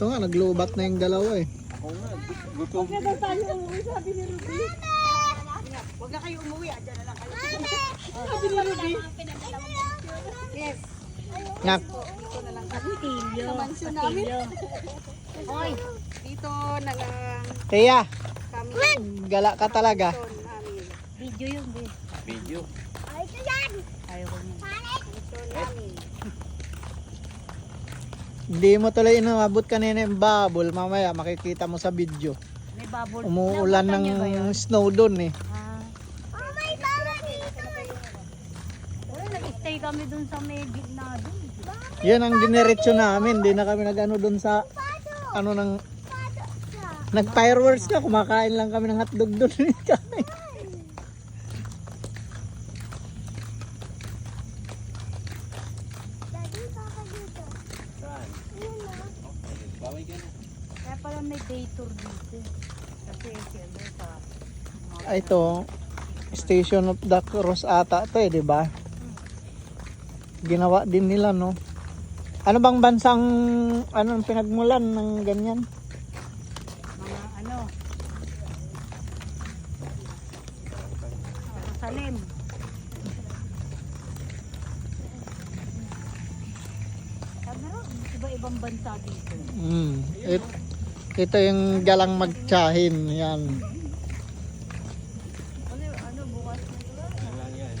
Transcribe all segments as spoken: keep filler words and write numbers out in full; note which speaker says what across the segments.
Speaker 1: Ito nga, naglubat na yung dalawa eh.
Speaker 2: Ako nga, gutom.
Speaker 3: Huwag na daw tayo umuwi, sabi ni Ruby. Huwag na kayo umuwi, andyan na lang kayo. Sabi ni Ruby. Yes.
Speaker 1: Nak,
Speaker 3: Dito na lang kami.
Speaker 4: Patilyo.
Speaker 3: Sa mansyon namin.
Speaker 4: Patilyo.
Speaker 3: Hoy, dito na lang
Speaker 1: Tia,
Speaker 3: kami.
Speaker 1: gala ka talaga.
Speaker 3: Mansyon namin.
Speaker 4: Video yun, be.
Speaker 2: Video.
Speaker 4: Ayaw ko niya.
Speaker 3: Mansyon namin.
Speaker 1: Hindi mo tuloy inabot kanina yung bubble. Mamaya makikita mo sa video.
Speaker 4: May bubble.
Speaker 1: Umuulan
Speaker 4: Nabutan niya ba
Speaker 1: ng
Speaker 4: yun?
Speaker 1: snow doon eh.
Speaker 4: Ah. Wala, nag-stay kami dun sa may gitna dun.
Speaker 1: Yan ang diniretso namin. Hindi na kami nag-ano doon sa ano ng nag-fireworks na. Kumakain lang kami ng hotdog doon.
Speaker 2: Saan? Okay, baway ka na.
Speaker 4: Kaya pala may day tour dito. Kasi siyempre sa...
Speaker 1: Ah, ito, Station of the Cross ata ito eh, di ba? Ginawa din nila, no? Ano bang bansang anong pinagmulan ng ganyan?
Speaker 4: Mga ano... Salim. Sabi na, iba-ibang bansa dito.
Speaker 1: Mm. It, ito yung galang magtsahin, yan.
Speaker 4: Ano, ano bukas na ito?
Speaker 2: Ano lang yan?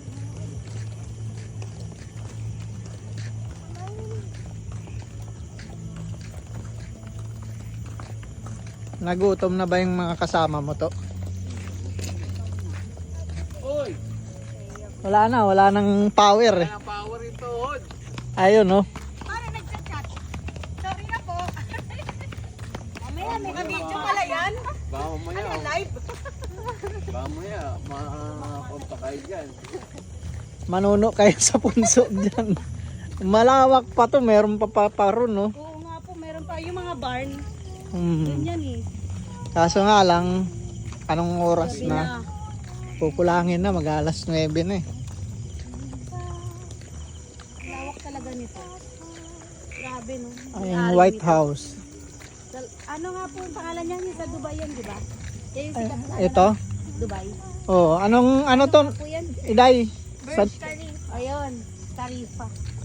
Speaker 1: Nagutom na ba yung mga kasama mo to?
Speaker 2: Uy!
Speaker 1: Wala na, wala nang power eh.
Speaker 2: Kaya power ito, Hod.
Speaker 1: Ayun, no?
Speaker 3: Para nagchat-chat. Sorry na po. Mamaya, may ka-video pala yan.
Speaker 2: Baka mamaya,
Speaker 3: Ano, live?
Speaker 2: baka mamaya, makapunta kayo dyan.
Speaker 1: Manuno kayo sa punso dyan. Malawak pa to, meron pa pa, pa ron, no?
Speaker 3: Oo nga po, meron pa yung mga barn.
Speaker 1: Hmm.
Speaker 3: Ganyan eh.
Speaker 1: Kaso nga lang, anong oras
Speaker 3: Sabi
Speaker 1: na? Kukulangin na, mag alas nuwebe na eh.
Speaker 3: Lawak talaga nito. Grabe no.
Speaker 1: Ay,
Speaker 3: May
Speaker 1: yung
Speaker 3: alley
Speaker 1: White
Speaker 3: nito.
Speaker 1: House.
Speaker 3: Dal- Ano nga po ang pangalan niya? Yung sa Dubai yan, di ba? Yan yung
Speaker 1: Ay,
Speaker 3: sikat na
Speaker 1: ito?
Speaker 3: Dubai.
Speaker 1: Oh, anong, ano to?
Speaker 3: Po yan.
Speaker 1: Iday? Sa,
Speaker 3: Burj Khalifa. Ayun, Khalifa.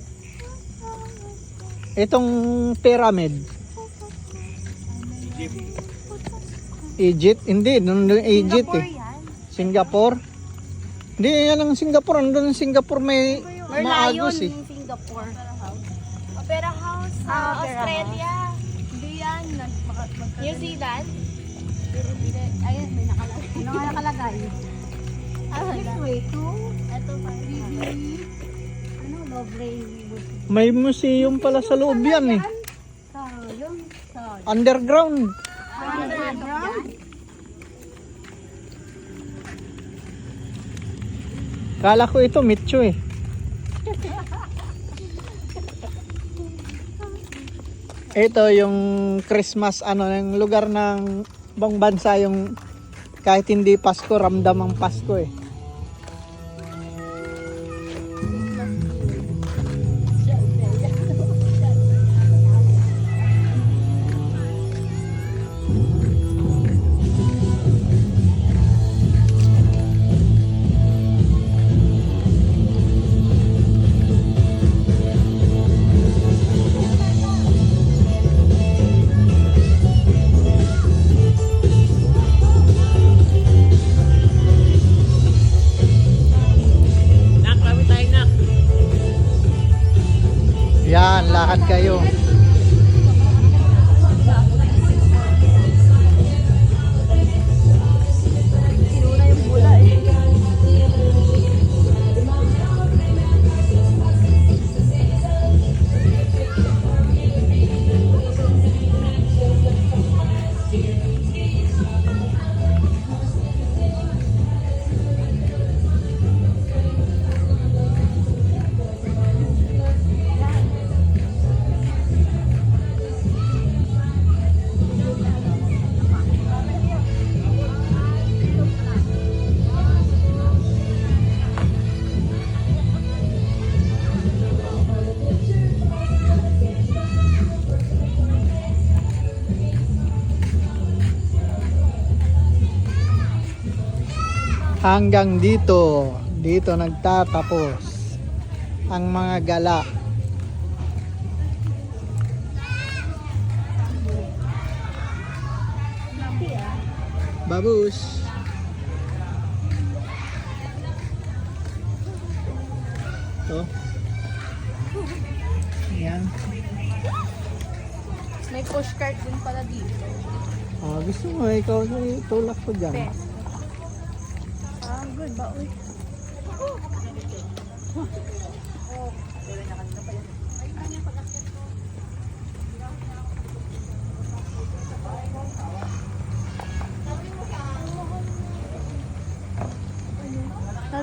Speaker 1: itong pyramid.
Speaker 2: Egypt.
Speaker 1: Egypt? Hindi, nandun Egypt
Speaker 3: Singapore
Speaker 1: eh.
Speaker 3: yan.
Speaker 1: Singapore? Hindi, yan ang Singapore. Nandun ang Singapore may
Speaker 3: Merlion
Speaker 1: maagos eh.
Speaker 3: yung Singapore. Opera House sa
Speaker 4: Ah, Opera
Speaker 3: Australia. Hindi yan. New Zealand. Ayun, may nakalagay.
Speaker 4: Ano nga nakalagay?
Speaker 3: Ah, this way to. Ito pa.
Speaker 4: Ano, Lovely.
Speaker 1: May museum pala sa loob yan eh.
Speaker 4: Sa, yun. Sa,
Speaker 1: Underground.
Speaker 4: underground.
Speaker 1: Kala ko ito, Mitcho eh. Ito yung Christmas, ano, yung lugar ng bang bansa yung kahit hindi Pasko, ramdam ang Pasko eh. Yan, lakad kayo.
Speaker 3: Sinuna yung bula eh.
Speaker 1: Hanggang dito, dito nagtatapos ang mga gala. Babush. To. Ayan.
Speaker 4: May pushcart din pala dito.
Speaker 1: Ah, gusto mo, ikaw tulak ko dyan.
Speaker 4: Best. Ah, good ba? Uy.